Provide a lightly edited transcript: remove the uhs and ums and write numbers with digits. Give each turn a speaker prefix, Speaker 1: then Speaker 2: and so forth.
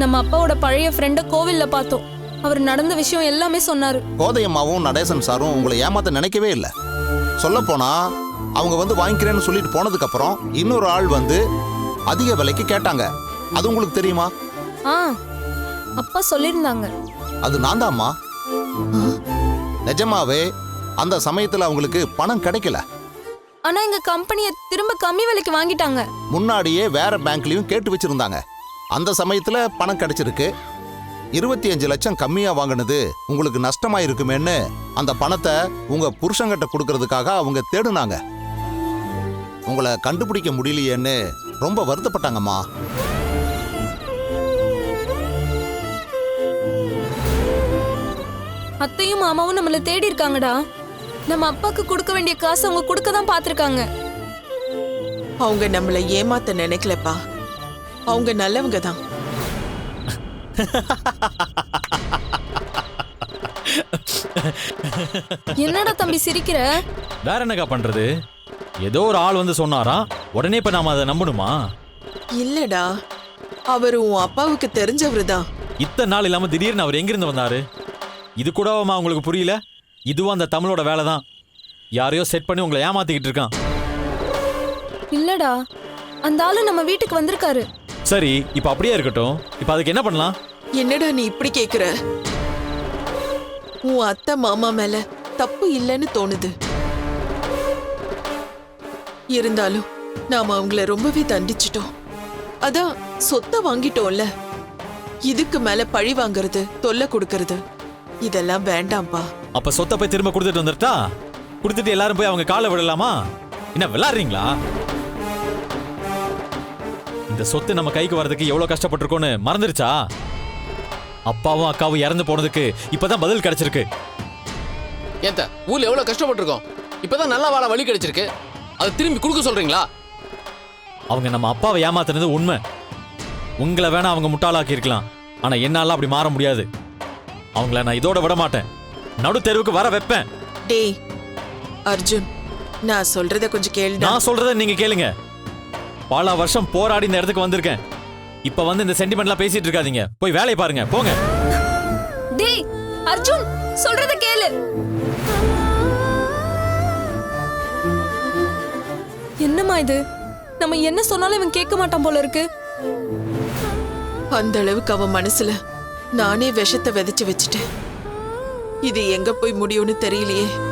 Speaker 1: நம்ம அப்பாவோட பழைய ஃப்ரெண்ட கோவில்ல பார்த்தோம். அவர் நடந்த விஷயம் எல்லாமே சொன்னாரு.
Speaker 2: கோதையம்மாவும் நடேசன் சாரும் உங்களை ஏமாத்த நினைக்கவே இல்லை. சொல்ல போனா அவங்க வந்து வாங்கிக்கிறேன்னு சொல்லிட்டு போனதுக்கு அப்புறம் இன்னொரு ஆள் வந்து அதிக விலைக்கு கேட்டாங்க. அது உங்களுக்கு தெரியுமா?
Speaker 1: அப்பா சொல்லியிருந்தாங்க.
Speaker 2: அது நான் தான்மா. நிஜமாவே அந்த சமயத்துல அவங்களுக்கு பணம் கிடைக்கல.
Speaker 1: ஆனா எங்க கம்பெனியை திரும்ப கம்மி விலைக்கு வாங்கிட்டாங்க.
Speaker 2: முன்னாடியே வேற பேங்க்லயும் கேட்டு வச்சிருந்தாங்க. அந்த சமயத்துல பணம் கிடைச்சிருக்கு. 25 லட்சம் கம்மியா வாங்கினது உங்களுக்கு நஷ்டமா இருக்குமேன்னு அந்த பணத்தை உங்க புருஷங்கிட்ட கொடுக்கறதுக்காக அவங்க தேடுனாங்க. உங்களை கண்டுபிடிக்க முடியலையேன்னு ரொம்ப வருத்தப்பட்டாங்கம்மா.
Speaker 1: அத்தையும் மாமாவும் நம்மள தேடி இருக்காங்கடா. நம்ம அப்பாக்கு கொடுக்க வேண்டிய காசு அவங்க கொடுக்க தான் பாத்துருக்காங்க.
Speaker 3: அவங்க நம்மள ஏமாத்த நினைக்கலப்பா. அவங்க நல்லவங்க தான்.
Speaker 1: என்னடா தம்பி சிரிக்கிற?
Speaker 4: வேற என்னக்கா பண்றது? ஏதோ ஒரு ஆள் வந்து சொன்னாராம், உடனே இப்ப நாம அதை நம்பணுமா?
Speaker 3: இல்லடா, அவரு உன் அப்பாவுக்கு தெரிஞ்சவரு தான்.
Speaker 4: இத்தனை நாள் இல்லாம திடீர்னு அவர் எங்கிருந்து வந்தாரு? இது கூடவாமா உங்களுக்கு புரியல? இதுவும் அந்த தமிழோட வேலை தான். யாரையோ செட் பண்ணி உங்களை ஏமாத்திக்கிட்டு இருக்கான்.
Speaker 1: இல்லடா, அந்த ஆளு நம்ம வீட்டுக்கு வந்திருக்காரு.
Speaker 4: சரி, இப்ப அப்படியே இருக்கட்டும். இப்ப அதுக்கு என்ன பண்ணலாம்?
Speaker 3: என்னடா நீ இப்படி கேக்குற? உன் அத்தை மாமா மேல தப்பு இல்லைன்னு தோணுது. இருந்தாலும் நாம அவங்கள ரொம்பவே தண்டிச்சிட்டோம். அதான் சொத்தை வாங்கிட்டோம்ல. இதுக்கு மேல பழி வாங்குறது, தொல்லை கொடுக்கறது இதெல்லாம் வேண்டாம்பா.
Speaker 4: அப்ப சொத்தை போய் திரும்ப கொடுத்துட்டு வந்துட்டா, கொடுத்துட்டு எல்லாரும் போய் அவங்க காலை விடலாமா? என்ன விளையாடுறீங்களா? இந்த சொத்து நம்ம கைக்கு வர்றதுக்கு எவ்வளவு கஷ்டப்பட்டிருக்கோன்னு மறந்துருச்சா? அப்பாவும் அக்காவும் இறந்து போனதுக்கு இப்பதான் பதில் கிடைச்சிருக்கு.
Speaker 5: ஏத்த ஊர்ல எவ்வளவு கஷ்டப்பட்டிருக்கோம், இப்பதான் நல்ல வாழ வழி கிடைச்சிருக்கு. அது திரும்பி கொடுக்க சொல்றீங்களா?
Speaker 4: அவங்க நம்ம அப்பாவை ஏமாத்துனது உண்மை. உங்களை வேணா அவங்க முட்டாளாக்கி இருக்கலாம், ஆனா என்னால அப்படி மாற முடியாது. அவங்கள நான் இதோட விட மாட்டேன். நடு தெருவுக்கு வர வைப்பேன்.
Speaker 3: டேய் அர்ஜுன், நான் சொல்றத கொஞ்சம் கேளுடா.
Speaker 4: நான் சொல்றத நீங்க கேளுங்க. பல வருஷம் போராடி இந்த இடத்துக்கு வந்திருக்கேன். இப்ப வந்து இந்த சென்டிமெண்ட்லாம் பேசிட்டு இருக்காதீங்க. போய் வேலையை பாருங்க, போங்க.
Speaker 1: டேய் அர்ஜுன், சொல்றத கேளு. என்னம்மா இது? நம்ம என்ன சொன்னாலும் இவன் கேட்க மாட்டான் போல இருக்கு.
Speaker 3: அந்த அளவுக்கு அவன் மனசுல நானே விஷத்தை விதைச்சு வச்சுட்டேன். இது எங்க போய் முடியும்னு தெரியலையே.